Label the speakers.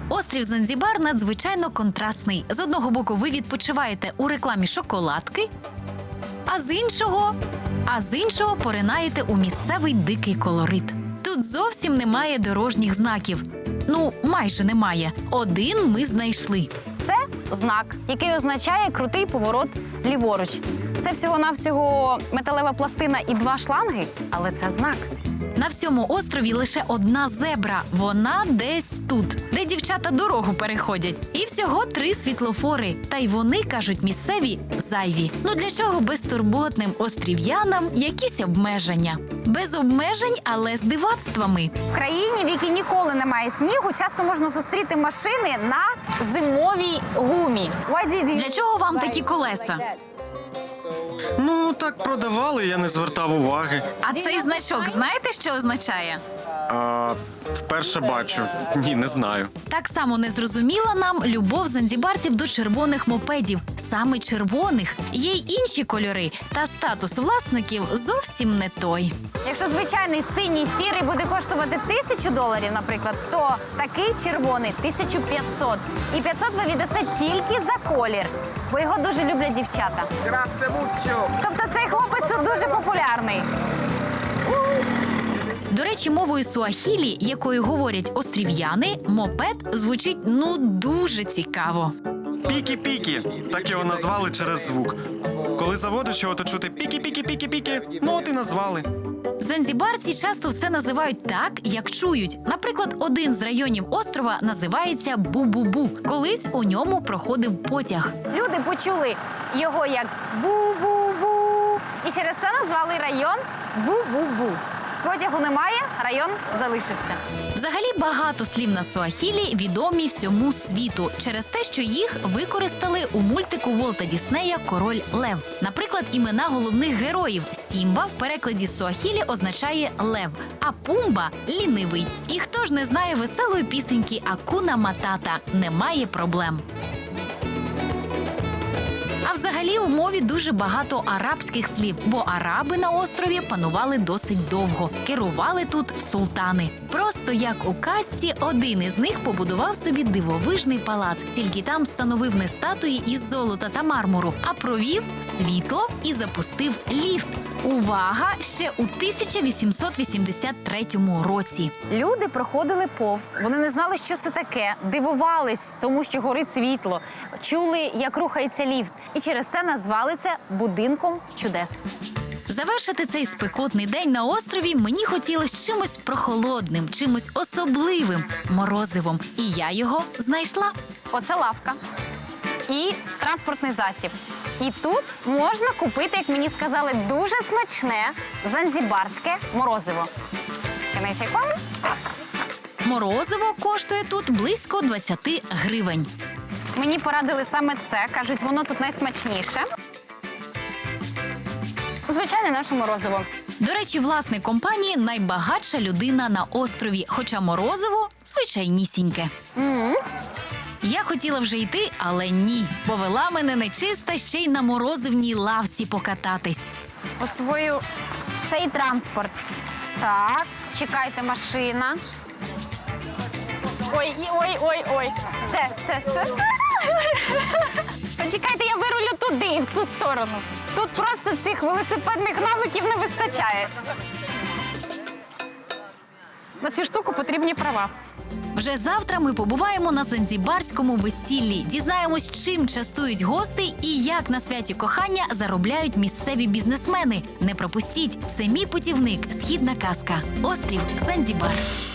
Speaker 1: Острів Занзібар надзвичайно контрастний. З одного боку ви відпочиваєте у рекламі шоколадки, а з іншого поринаєте у місцевий дикий колорит. Тут зовсім немає дорожніх знаків. Ну, майже немає. Один ми знайшли.
Speaker 2: Це знак, який означає крутий поворот ліворуч. Це всього-навсього металева пластина і 2 шланги, але це знак.
Speaker 1: На всьому острові лише одна зебра. Вона десь тут, де дівчата дорогу переходять. І всього 3 світлофори. Та й вони, кажуть місцеві, зайві. Ну для чого безтурботним острів'янам якісь обмеження? Без обмежень, але з дивацтвами.
Speaker 2: В країні, в якій ніколи немає снігу, часто можна зустріти машини на зимовій гумі.
Speaker 1: Для чого вам такі колеса?
Speaker 3: Ну, так продавали, я не звертав уваги.
Speaker 1: А цей значок знаєте, що означає?
Speaker 3: Вперше бачу. Ні, не знаю.
Speaker 1: Так само не зрозуміла нам любов занзібарців до червоних мопедів. Саме червоних. Є й інші кольори, та статус власників зовсім не той.
Speaker 2: Якщо звичайний синій сірий буде коштувати $1000, наприклад, то такий червоний 1500. І 500 ви віддасте тільки за колір, бо його дуже люблять дівчата.
Speaker 4: Grazie mucho.
Speaker 2: Тобто цей хлопець тут дуже популярний.
Speaker 1: До речі, мовою суахілі, якою говорять острів'яни, мопед звучить дуже цікаво.
Speaker 3: Пікі-пікі. Так його назвали через звук. Коли заводиш його, то чути пікі-пікі-пікі-пікі. Ну от і назвали.
Speaker 1: Занзібарці часто все називають так, як чують. Наприклад, один з районів острова називається Бу-Бу-Бу. Колись у ньому проходив потяг.
Speaker 2: Люди почули його як бу-бу-бу. І через це назвали район Бу-Бу-Бу. Потягу немає, район залишився.
Speaker 1: Взагалі багато слів на суахілі відомі всьому світу через те, що їх використали у мультику Волта Діснея «Король Лев». Наприклад, імена головних героїв. Сімба в перекладі з суахілі означає «лев», а Пумба – «лінивий». І хто ж не знає веселої пісеньки «Акуна Матата» – «Немає проблем». А взагалі у мові дуже багато арабських слів, бо араби на острові панували досить довго. Керували тут султани. Просто як у казці, один із них побудував собі дивовижний палац. Тільки там встановив не статуї із золота та мармуру, а провів світло і запустив ліфт. Увага! Ще у 1883 році.
Speaker 2: Люди проходили повз, вони не знали, що це таке, дивувались тому, що горить світло, чули, як рухається ліфт. І через це назвали це «будинком чудес».
Speaker 1: Завершити цей спекотний день на острові мені хотілося чимось прохолодним, чимось особливим – морозивом. І я його знайшла.
Speaker 2: Оце лавка і транспортний засіб. І тут можна купити, як мені сказали, дуже смачне занзібарське морозиво. Can I take one?
Speaker 1: Морозиво коштує тут близько 20 гривень.
Speaker 2: Мені порадили саме це. Кажуть, воно тут найсмачніше. Звичайне наше морозиво.
Speaker 1: До речі, власник компанії – найбагатша людина на острові, хоча морозиво – звичайнісіньке. Я хотіла вже йти, але ні. Повела мене нечиста ще й на морозивній лавці покататись.
Speaker 2: Освою цей транспорт. Так, чекайте, машина. Ой. Все. Почекайте, я вирулю туди, в ту сторону. Тут просто цих велосипедних навиків не вистачає. На цю штуку потрібні права.
Speaker 1: Вже завтра ми побуваємо на занзібарському весіллі. Дізнаємось, чим частують гостей і як на святі кохання заробляють місцеві бізнесмени. Не пропустіть, це мій путівник «Східна казка». Острів Занзібар.